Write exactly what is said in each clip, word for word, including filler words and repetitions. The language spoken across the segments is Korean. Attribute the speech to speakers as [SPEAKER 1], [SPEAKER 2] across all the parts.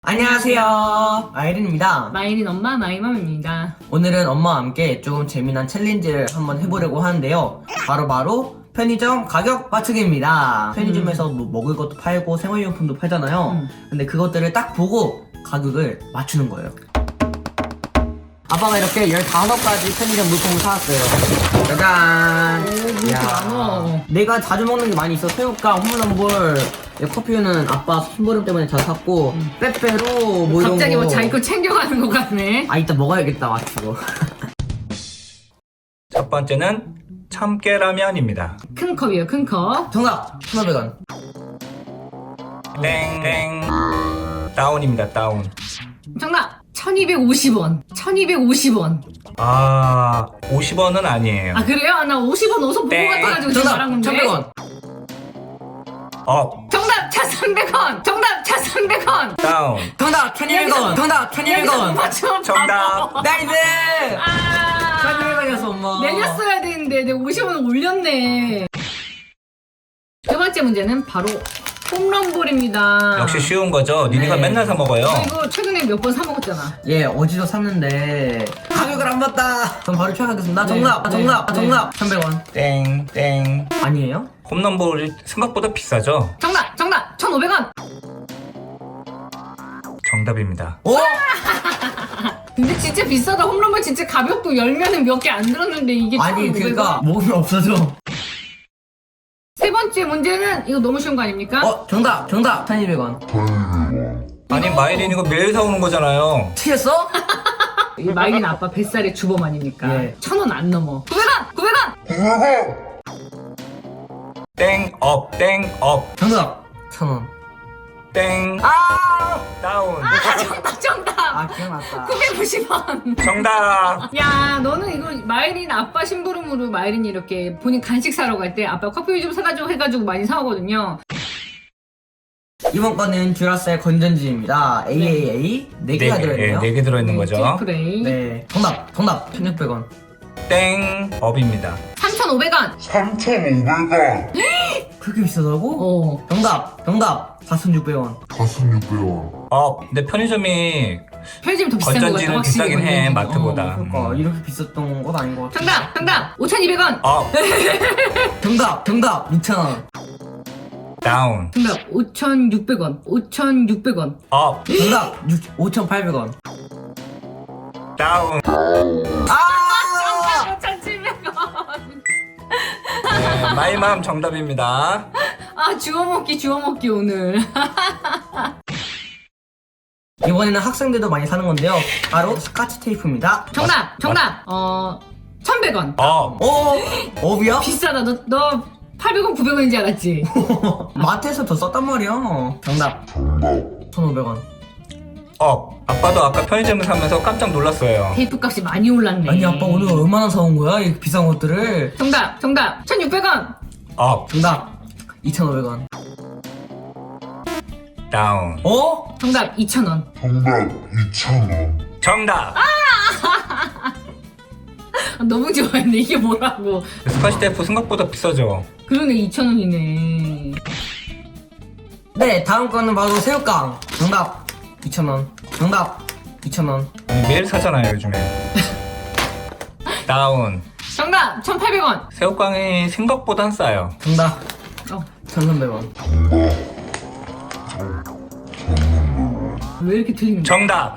[SPEAKER 1] 안녕하세요, 아이린입니다.
[SPEAKER 2] 마이린 엄마 마이맘입니다.
[SPEAKER 1] 오늘은 엄마와 함께 좀 재미난 챌린지를 한번 해보려고 하는데요. 바로바로 바로 편의점 가격 맞추기입니다. 편의점에서 뭐 먹을 것도 팔고 생활용품도 팔잖아요.
[SPEAKER 2] 음.
[SPEAKER 1] 근데 그것들을 딱 보고 가격을 맞추는 거예요. 아빠가 이렇게 열다섯 가지 편의점 물품을 사왔어요. 짜잔!
[SPEAKER 2] 오, 이렇게 많어.
[SPEAKER 1] 내가 자주 먹는 게 많이 있어. 새우깡, 홈런볼, 커피는 아빠 심부름 때문에 자주 샀고,
[SPEAKER 2] 음.
[SPEAKER 1] 빼빼로, 뭐 이런
[SPEAKER 2] 갑자기
[SPEAKER 1] 거.
[SPEAKER 2] 뭐 자기 거 챙겨가는 것 같네.
[SPEAKER 1] 아, 이따 먹어야겠다, 맞추고.
[SPEAKER 3] 첫 번째는 참깨라면입니다.
[SPEAKER 2] 큰 컵이에요, 큰 컵.
[SPEAKER 1] 정답! 천오백 원.
[SPEAKER 3] 땡땡 다운입니다. 다운.
[SPEAKER 2] 정답! 천이백오십 원. 천이백오십 원.
[SPEAKER 3] 아 오십 원은 아니에요.
[SPEAKER 2] 아, 그래요? 아, 나 오십 원 어디서 보고
[SPEAKER 3] 네.
[SPEAKER 2] 같아가지고 지금 말한 건데.
[SPEAKER 1] 천백 원.
[SPEAKER 3] 업
[SPEAKER 2] 정답! 천삼백 원. 정답! 천삼백 원.
[SPEAKER 3] 다운.
[SPEAKER 1] 정답! 천이백 원. 정답! 천이백 원.
[SPEAKER 2] 맞춤
[SPEAKER 3] 정답.
[SPEAKER 1] 나이스!
[SPEAKER 2] 아,
[SPEAKER 1] 천이백 원이었어, 엄마.
[SPEAKER 2] 내렸어야 되는데 내가 오십 원 올렸네. 두 번째 문제는 바로 홈런볼입니다.
[SPEAKER 3] 역시 쉬운 거죠. 니네가
[SPEAKER 1] 네.
[SPEAKER 3] 맨날 사 먹어요.
[SPEAKER 2] 너 이거 최근에 몇 번 사 먹었잖아.
[SPEAKER 1] 예, 어제도 샀는데 가격을 안 봤다. 그럼 바로 추천하겠습니다.
[SPEAKER 2] 네.
[SPEAKER 1] 정답!
[SPEAKER 2] 네.
[SPEAKER 1] 정답!
[SPEAKER 2] 네.
[SPEAKER 1] 정답! 천백 원.
[SPEAKER 3] 땡땡.
[SPEAKER 1] 아니에요?
[SPEAKER 3] 홈런볼이 생각보다 비싸죠.
[SPEAKER 2] 정답! 정답! 천오백 원.
[SPEAKER 3] 정답입니다.
[SPEAKER 1] 오!
[SPEAKER 2] 근데 진짜 비싸다. 홈런볼 진짜 가볍고 열면은 몇 개 안 들었는데 이게
[SPEAKER 1] 아니,
[SPEAKER 2] 천오백 원?
[SPEAKER 1] 그니까 먹으면 없어져.
[SPEAKER 2] 세 번째 문제는 이거 너무 쉬운 거 아닙니까?
[SPEAKER 1] 어, 정답! 정답! 천이백 원.
[SPEAKER 3] 아니 마이린 이거 매일 사오는 거잖아요.
[SPEAKER 1] 틀렸어?
[SPEAKER 2] 이 마이린 아빠 뱃살의 주범 아닙니까?
[SPEAKER 1] 예.
[SPEAKER 2] 천 원 안 넘어. 구백 원! 구백 원!
[SPEAKER 3] 땡업 땡업
[SPEAKER 1] 정답! 천 원.
[SPEAKER 3] 땡
[SPEAKER 1] 아!
[SPEAKER 3] 다운.
[SPEAKER 2] 아, 정답! 정답!
[SPEAKER 1] 아, 기억났다.
[SPEAKER 2] 구백오십 원.
[SPEAKER 3] 정답.
[SPEAKER 2] 야, 너는 이거 마이린 아빠 심부름으로 마이린이 이렇게 본인 간식 사러 갈 때 아빠 커피 좀 사다 줘 해가지고 많이 사오거든요.
[SPEAKER 1] 이번 거는 듀라셀 건전지입니다. 에이에이에이 네 개가 들어있네요.
[SPEAKER 3] 네 개 들어있는 거죠.
[SPEAKER 2] 트리플레이.
[SPEAKER 1] 네. 정답! 정답! 천육백 원.
[SPEAKER 3] 땡업입니다.
[SPEAKER 2] 삼천오백 원.
[SPEAKER 4] 삼천오백 원,
[SPEAKER 1] 그렇게 비싸다고?
[SPEAKER 2] 어.
[SPEAKER 1] 정답! 정답! 사천육백 원.
[SPEAKER 4] 사천육백 원,
[SPEAKER 3] 업. 근데 편의점이
[SPEAKER 2] 편의점이 더 비싼 거 같아.
[SPEAKER 3] 건전지는
[SPEAKER 2] 확실히
[SPEAKER 3] 비싸긴 해,
[SPEAKER 2] 건전지.
[SPEAKER 3] 마트보다.
[SPEAKER 1] 그러니까
[SPEAKER 3] 음.
[SPEAKER 1] 이렇게 비쌌던 건 아닌 것 같아.
[SPEAKER 2] 정답! 정답! 오천이백 원.
[SPEAKER 3] 업.
[SPEAKER 1] 정답! 정답! 이천 원.
[SPEAKER 3] 다운.
[SPEAKER 2] 정답! 오천육백 원. 오천육백 원.
[SPEAKER 3] 업.
[SPEAKER 1] 정답! 오천팔백 원.
[SPEAKER 3] 다운.
[SPEAKER 1] 아!
[SPEAKER 2] 오천칠백 원.
[SPEAKER 3] 네, 마이맘 정답입니다.
[SPEAKER 2] 아, 주워먹기, 주워먹기, 오늘.
[SPEAKER 1] 이번에는 학생들도 많이 사는 건데요. 바로 스카치 테이프입니다.
[SPEAKER 2] 정답! 정답! 어, 천백 원.
[SPEAKER 3] 업.
[SPEAKER 1] 오! 업이야?
[SPEAKER 2] 비싸다. 너, 너 팔백 원, 구백 원인지 알았지?
[SPEAKER 1] 마트에서 더 썼단 말이야. 정답! 천오백 원.
[SPEAKER 3] 업. 아빠도 아까 편의점을 사면서 깜짝 놀랐어요.
[SPEAKER 2] 테이프 값이 많이 올랐네.
[SPEAKER 1] 아니 아빠 오늘 얼마나 사온 거야? 이 비싼 것들을.
[SPEAKER 2] 정답! 정답! 천육백 원.
[SPEAKER 3] 업.
[SPEAKER 1] 정답! 이천오백 원.
[SPEAKER 3] 다운.
[SPEAKER 1] 어?
[SPEAKER 2] 정답! 이천 원.
[SPEAKER 4] 정답 이천 원,
[SPEAKER 3] 정답.
[SPEAKER 2] 아, 너무 좋아했네. 이게 뭐라고.
[SPEAKER 3] 스카치 테이프 생각보다 비싸죠.
[SPEAKER 2] 그러네, 이천 원이네.
[SPEAKER 1] 네, 다음 거는 바로 새우깡. 정답! 이천 원. 정답! 이천 원.
[SPEAKER 3] 아니, 매일 사잖아요 요즘에. 다운.
[SPEAKER 2] 정답! 천팔백 원.
[SPEAKER 3] 새우깡이 생각보다 싸요.
[SPEAKER 1] 정답!
[SPEAKER 2] 어,
[SPEAKER 1] 천삼백 원.
[SPEAKER 2] 왜 이렇게 틀리는 거야?
[SPEAKER 3] 정답.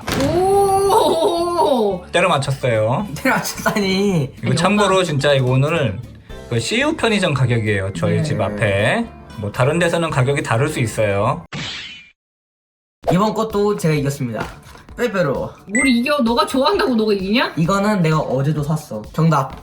[SPEAKER 2] 오!
[SPEAKER 3] 때려 맞췄어요.
[SPEAKER 1] 테라치다니.
[SPEAKER 3] 이거 참고로 진짜 이거 오늘 그 씨유 편의점 가격이에요. 저희
[SPEAKER 1] 네.
[SPEAKER 3] 집 앞에. 뭐 다른 데서는 가격이 다를 수 있어요.
[SPEAKER 1] 이번 것도 제가 이겼습니다. 빼빼로.
[SPEAKER 2] 뭘 이겨? 너가 좋아한다고 너가 이기냐?
[SPEAKER 1] 이거는 내가 어제도 샀어. 정답.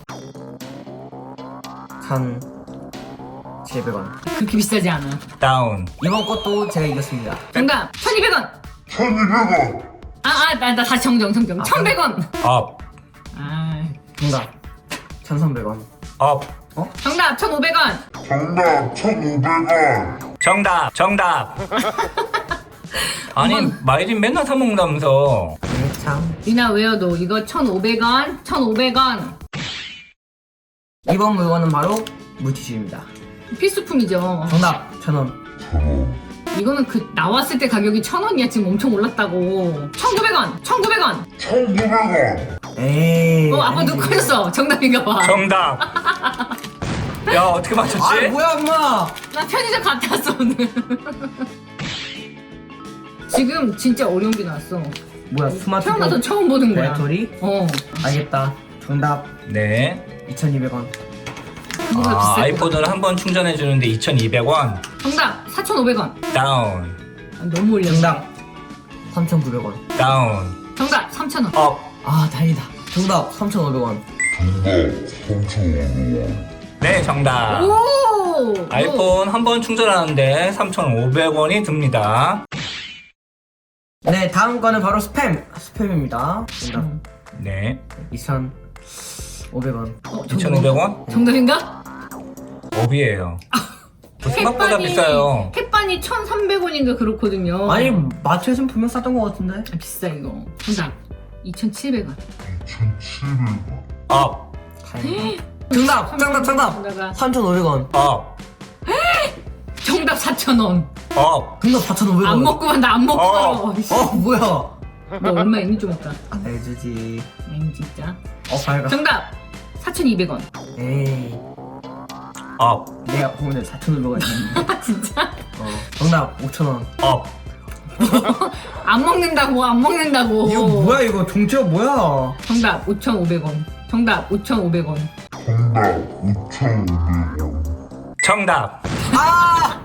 [SPEAKER 1] 천칠백 원.
[SPEAKER 2] 그렇게 비싸지 않아.
[SPEAKER 3] 다운.
[SPEAKER 1] 이번 것도 제가 이겼습니다.
[SPEAKER 2] 정답! 천이백 원.
[SPEAKER 4] 천이백 원,
[SPEAKER 2] 아, 아, 나, 나 다시 정정, 정정.
[SPEAKER 1] 아,
[SPEAKER 2] 천백 원.
[SPEAKER 3] 업.
[SPEAKER 2] 아,
[SPEAKER 1] 정답. 천삼백 원.
[SPEAKER 3] 업.
[SPEAKER 2] 정답! 천오백 원.
[SPEAKER 4] 정답 천오백 원,
[SPEAKER 3] 정답. 정답. 아니 마이린 맨날 사 먹는다면서.
[SPEAKER 1] 네, 참.
[SPEAKER 2] 리나 외워도 이거 천오백 원, 천오백 원.
[SPEAKER 1] 이번 물건은 바로 물티슈입니다.
[SPEAKER 2] 필수품이죠.
[SPEAKER 1] 정답. 천 원.
[SPEAKER 4] 천 원,
[SPEAKER 2] 이거는 그 나왔을 때 가격이 천 원이야. 지금 엄청 올랐다고. 천구백 원, 천구백 원.
[SPEAKER 4] 천구백 원.
[SPEAKER 1] 에이.
[SPEAKER 2] 어, 아빠 누구 커졌어? 정답인가 봐.
[SPEAKER 3] 정답. 야, 어떻게 맞췄지?
[SPEAKER 1] 아, 뭐야, 엄마.
[SPEAKER 2] 나 편의점 갔다 왔어 오늘. 지금 진짜 어려운 게 나왔어.
[SPEAKER 1] 뭐야, 스마트
[SPEAKER 2] 태어나서 처음 보는 거야.
[SPEAKER 1] 배터리?
[SPEAKER 2] 어.
[SPEAKER 1] 알겠다. 정답
[SPEAKER 3] 네.
[SPEAKER 1] 이천이백 원.
[SPEAKER 2] 이거보다
[SPEAKER 3] 아,
[SPEAKER 2] 비쌀 거.
[SPEAKER 3] 아이폰을 한 번 충전해 주는데 이천이백 원.
[SPEAKER 2] 정답 사천오백 원.
[SPEAKER 3] 다운.
[SPEAKER 2] 아, 너무 올렸어.
[SPEAKER 1] 정답 삼천구백 원.
[SPEAKER 3] 다운.
[SPEAKER 2] 정답 삼천 원.
[SPEAKER 3] 업.
[SPEAKER 1] 아, 다행이다. 정답 삼천오백 원.
[SPEAKER 4] 정답 삼천오백 원.
[SPEAKER 3] 네, 정답.
[SPEAKER 2] 오!
[SPEAKER 3] 아이폰 한 번 충전하는데 삼천오백 원이 듭니다.
[SPEAKER 1] 네, 다음 거는 바로 스팸. 스팸입니다. 정답
[SPEAKER 3] 네.
[SPEAKER 1] 이천오백 원.
[SPEAKER 2] 어, 정답.
[SPEAKER 3] 이천오백 원?
[SPEAKER 2] 정답인가?
[SPEAKER 3] 업이에요. 생각보다
[SPEAKER 2] 햇반이-
[SPEAKER 3] 비싸요.
[SPEAKER 2] 햇반이 천삼백 원인가 그렇거든요.
[SPEAKER 1] 아니, 마트에서는 분명 쌌던 것 같은데.
[SPEAKER 2] 아, 비싸 이거. 정답 이천칠백 원.
[SPEAKER 4] 이천칠백 원.
[SPEAKER 3] 업.
[SPEAKER 1] 다행이다. 정답! 정답! 정답!
[SPEAKER 2] 정답.
[SPEAKER 1] 삼천오백 원.
[SPEAKER 3] 업.
[SPEAKER 2] 정답 사천 원.
[SPEAKER 3] 업.
[SPEAKER 1] 정답 사천오백 원.
[SPEAKER 2] 안 먹고 만다 안 먹고
[SPEAKER 3] 어.
[SPEAKER 2] 살아.
[SPEAKER 1] 어, 뭐야.
[SPEAKER 2] 너 얼마 있니 좀 없다.
[SPEAKER 1] 알주지.
[SPEAKER 2] 엥 진짜.
[SPEAKER 1] 어, 밝아.
[SPEAKER 2] 정답 사천이백 원.
[SPEAKER 1] 에이.
[SPEAKER 3] 업.
[SPEAKER 1] 내가 보면 사천오백 원 있는데.
[SPEAKER 2] 아 진짜?
[SPEAKER 1] 어. 정답 오천 원.
[SPEAKER 3] 업.
[SPEAKER 2] 안 먹는다고 안 먹는다고.
[SPEAKER 1] 이거 뭐야, 이거. 종치가 뭐야.
[SPEAKER 2] 정답 오천오백 원. 정답 오천오백 원.
[SPEAKER 4] 정답 오천오백 원.
[SPEAKER 3] 정답.
[SPEAKER 1] 아!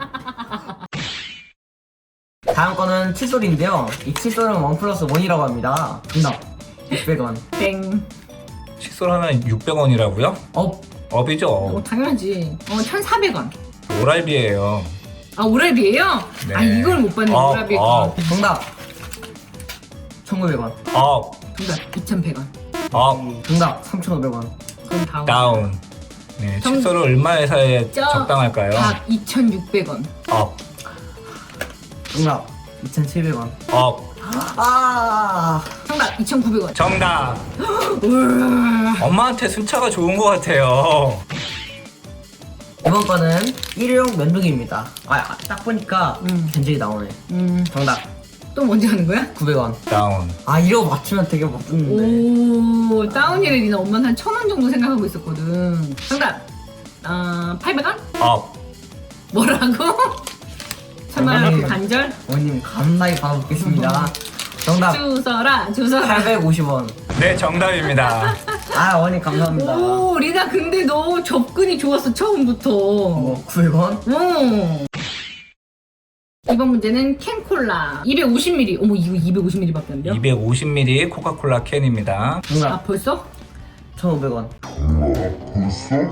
[SPEAKER 1] 다음 거는 칫솔인데요. 이 칫솔은 원 플러스 원이라고 합니다. 정답 육백 원.
[SPEAKER 2] 땡.
[SPEAKER 3] 칫솔 하나 육백 원이라고요?
[SPEAKER 1] 업.
[SPEAKER 3] 업이죠.
[SPEAKER 2] 어 당연하지. 어 천사백 원.
[SPEAKER 3] 오랄비예요.
[SPEAKER 2] 아 오라비예요?
[SPEAKER 3] 네.
[SPEAKER 2] 아 이걸 못 봤네.
[SPEAKER 3] 어,
[SPEAKER 2] 오라비.
[SPEAKER 3] 어.
[SPEAKER 1] 정답 천구백 원.
[SPEAKER 3] 업.
[SPEAKER 2] 정답 이천백 원.
[SPEAKER 3] 업.
[SPEAKER 1] 정답 삼천오백 원.
[SPEAKER 2] 그럼 다음.
[SPEAKER 3] 다운. 네,
[SPEAKER 2] 정-
[SPEAKER 3] 칫솔을 얼마에 사야
[SPEAKER 2] 저-
[SPEAKER 3] 적당할까요?
[SPEAKER 2] 답 이천육백 원.
[SPEAKER 3] 업.
[SPEAKER 1] 정답 이천칠백 원.
[SPEAKER 3] 업.
[SPEAKER 1] 아!
[SPEAKER 2] 정답 이천구백 원.
[SPEAKER 3] 정답.
[SPEAKER 2] 우와.
[SPEAKER 3] 엄마한테 순차가 좋은 것 같아요.
[SPEAKER 1] 이번 거는 일회용 면도기입니다. 아, 딱 보니까
[SPEAKER 2] 음.
[SPEAKER 1] 견적이 나오네.
[SPEAKER 2] 음.
[SPEAKER 1] 정답
[SPEAKER 2] 또 먼저 하는 거야?
[SPEAKER 1] 구백 원.
[SPEAKER 3] 다운.
[SPEAKER 1] 아, 이거 맞추면 되게 멋있는데.
[SPEAKER 2] 오 다운이래. 니나 엄마는 한 천 원 정도 생각하고 있었거든. 정답 아 팔백 원?
[SPEAKER 3] 업.
[SPEAKER 2] 뭐라고? 천만 원
[SPEAKER 1] 정답입니다.
[SPEAKER 2] 간절?
[SPEAKER 1] 어머님 감사히 받아먹겠습니다. 정답
[SPEAKER 2] 주서라 주서라.
[SPEAKER 1] 팔백오십 원.
[SPEAKER 3] 네, 정답입니다.
[SPEAKER 1] 아, 어머님 감사합니다.
[SPEAKER 2] 오 리나 근데 너 접근이 좋았어 처음부터.
[SPEAKER 1] 뭐 구백 원?
[SPEAKER 2] 오. 이번 문제는 캔콜라 이백오십 밀리리터. 어머 이거 이백오십 밀리리터밖에 안 돼요?
[SPEAKER 3] 이백오십 밀리리터 코카콜라 캔입니다.
[SPEAKER 2] 아
[SPEAKER 1] 정답
[SPEAKER 2] 벌써?
[SPEAKER 1] 천오백 원.
[SPEAKER 4] 정답 벌써?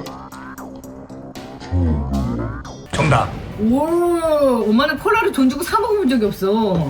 [SPEAKER 4] 천오백 원.
[SPEAKER 3] 정답.
[SPEAKER 2] 오 엄마는 콜라를 돈 주고 사 먹어본 적이 없어.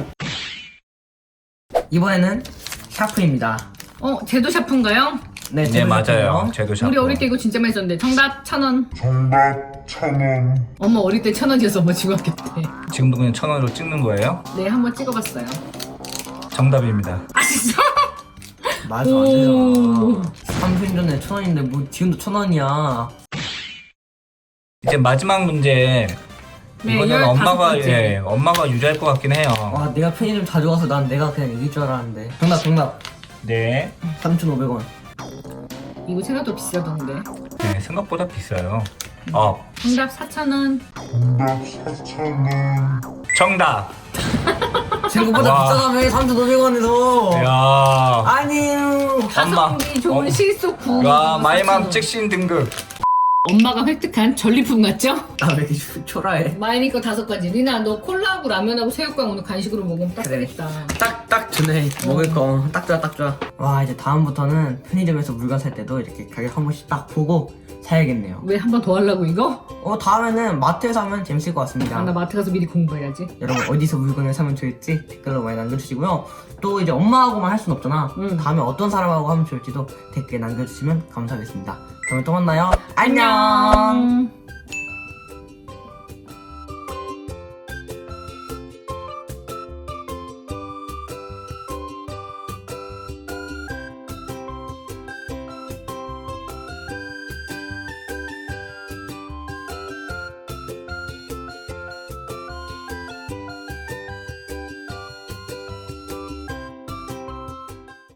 [SPEAKER 1] 이번에는 샤프입니다.
[SPEAKER 2] 어 제도 샤프인가요?
[SPEAKER 1] 네,
[SPEAKER 3] 네,
[SPEAKER 1] 제도
[SPEAKER 3] 맞아요.
[SPEAKER 1] 샤프예요.
[SPEAKER 3] 제도 샤프.
[SPEAKER 2] 우리 어릴 때 이거 진짜 많이 썼는데. 정답 천 원.
[SPEAKER 4] 정답 천 원.
[SPEAKER 2] 엄마 어릴 때 천 원이었어. 엄마 중학교 때.
[SPEAKER 3] 지금도 그냥 천 원으로 찍는 거예요?
[SPEAKER 2] 네 한번 찍어봤어요.
[SPEAKER 3] 정답입니다.
[SPEAKER 2] 아 진짜?
[SPEAKER 1] 말도 안
[SPEAKER 2] 오.
[SPEAKER 1] 되잖아. 삼 분 전에 천 원인데 뭐 지금도 천 원이야.
[SPEAKER 3] 이제 마지막 문제.
[SPEAKER 2] 네,
[SPEAKER 3] 이거는
[SPEAKER 2] 열다섯
[SPEAKER 3] 엄마가
[SPEAKER 2] 번째.
[SPEAKER 3] 예, 엄마가 유지할 것 같긴 해요.
[SPEAKER 1] 와, 내가 편의점 자주 가서 난 내가 그냥 이길 줄 알았는데. 정답 정답
[SPEAKER 3] 네.
[SPEAKER 1] 삼천오백 원.
[SPEAKER 2] 이거 생각도 비싸던데.
[SPEAKER 3] 네, 생각보다 비싸요. 업.
[SPEAKER 2] 정답 사천 원.
[SPEAKER 4] 정답 사천 원.
[SPEAKER 3] 정답.
[SPEAKER 1] 생각보다
[SPEAKER 3] 와.
[SPEAKER 1] 비싸다며 삼천오백 원에서.
[SPEAKER 3] 야.
[SPEAKER 2] 아니요. 가성비 좋은
[SPEAKER 3] 어.
[SPEAKER 2] 실속 구.
[SPEAKER 3] 와, 마이맘 찍신 등급.
[SPEAKER 2] 엄마가 획득한 전리품 같죠?
[SPEAKER 1] 아, 왜 이렇게 초- 초라해?
[SPEAKER 2] 마이니 거 다섯 가지. 리나 너 콜라하고 라면하고 새우깡 오늘 간식으로 먹으면 딱
[SPEAKER 1] 그래.
[SPEAKER 2] 되겠다.
[SPEAKER 1] 딱, 딱 주네. 먹을 거. 딱 좋아, 딱 좋아. 와, 이제 다음부터는 편의점에서 물건 살 때도 이렇게 가격 한 번씩 딱 보고 사야겠네요.
[SPEAKER 2] 왜 한 번 더 하려고 이거?
[SPEAKER 1] 어, 다음에는 마트에서 하면 재밌을 것 같습니다.
[SPEAKER 2] 아, 나 마트 가서 미리 공부해야지.
[SPEAKER 1] 여러분, 어디서 물건을 사면 좋을지 댓글로 많이 남겨주시고요. 또 이제 엄마하고만 할 순 없잖아.
[SPEAKER 2] 응.
[SPEAKER 1] 다음에 어떤 사람하고 하면 좋을지도 댓글에 남겨주시면 감사하겠습니다. 다음에 또 만나요. 안녕!
[SPEAKER 2] 안녕.